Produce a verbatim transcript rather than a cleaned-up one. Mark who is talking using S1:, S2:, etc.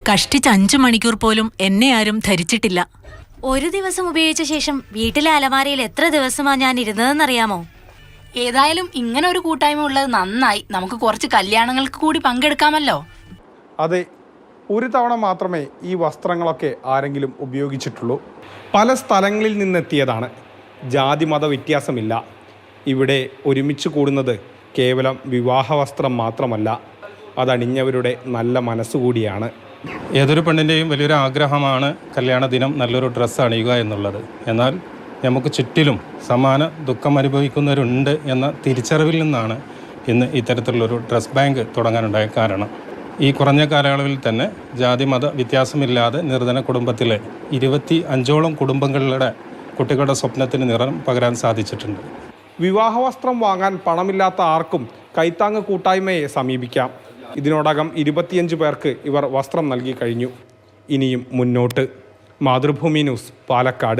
S1: കഷ്ടിച്ച് അഞ്ചു മണിക്കൂർ പോലും എന്നെ ആരും ധരിച്ചിട്ടില്ല.
S2: ഒരു ദിവസം ഉപയോഗിച്ച ശേഷം വീട്ടിലെ അലമാരയിൽ എത്ര ദിവസമാ ഞാൻ ഇരുന്നതെന്നറിയാമോ?
S3: ഏതായാലും ഇങ്ങനെ ഒരു കൂട്ടായ്മ ഉള്ളത് നന്നായി. നമുക്ക് കുറച്ച് കല്യാണങ്ങൾക്ക് കൂടി പങ്കെടുക്കാമല്ലോ.
S4: അതെ, ഒരു തവണ മാത്രമേ ഈ വസ്ത്രങ്ങളൊക്കെ ആരെങ്കിലും ഉപയോഗിച്ചിട്ടുള്ളൂ. പല സ്ഥലങ്ങളിൽ നിന്നെത്തിയതാണ്. ജാതി മത വ്യത്യാസമില്ല. ഇവിടെ ഒരുമിച്ച് കൂടുന്നത് കേവലം വിവാഹ വസ്ത്രം മാത്രമല്ല, അതണിഞ്ഞവരുടെ നല്ല മനസ്സുകൂടിയാണ്.
S5: ഏതൊരു പെണ്ണിൻ്റെയും വലിയൊരു ആഗ്രഹമാണ് കല്യാണ ദിനം നല്ലൊരു ഡ്രസ്സ് അണിയുക എന്നുള്ളത്. എന്നാൽ നമുക്ക് ചുറ്റിലും സമാന ദുഃഖം അനുഭവിക്കുന്നവരുണ്ട് എന്ന തിരിച്ചറിവിൽ നിന്നാണ് ഇന്ന് ഇത്തരത്തിലുള്ളൊരു ഡ്രസ് ബാങ്ക് തുടങ്ങാനുണ്ടായ കാരണം. ഈ കുറഞ്ഞ കാലയളവിൽ തന്നെ ജാതി മത വ്യത്യാസമില്ലാതെ നിർധന കുടുംബത്തിലെ ഇരുപത്തി അഞ്ചോളം കുടുംബങ്ങളുടെ കുട്ടികളുടെ സ്വപ്നത്തിന് നിറം പകരാൻ സാധിച്ചിട്ടുണ്ട്.
S4: വിവാഹവസ്ത്രം വാങ്ങാൻ പണമില്ലാത്ത ആർക്കും കൈത്താങ്ങ് കൂട്ടായ്മയെ സമീപിക്കാം. ഇതിനോടകം ഇരുപത്തിയഞ്ച് പേർക്ക് ഇവർ വസ്ത്രം നൽകി കഴിഞ്ഞു. ഇനിയും മുന്നോട്ട്. മാതൃഭൂമി ന്യൂസ്, പാലക്കാട്.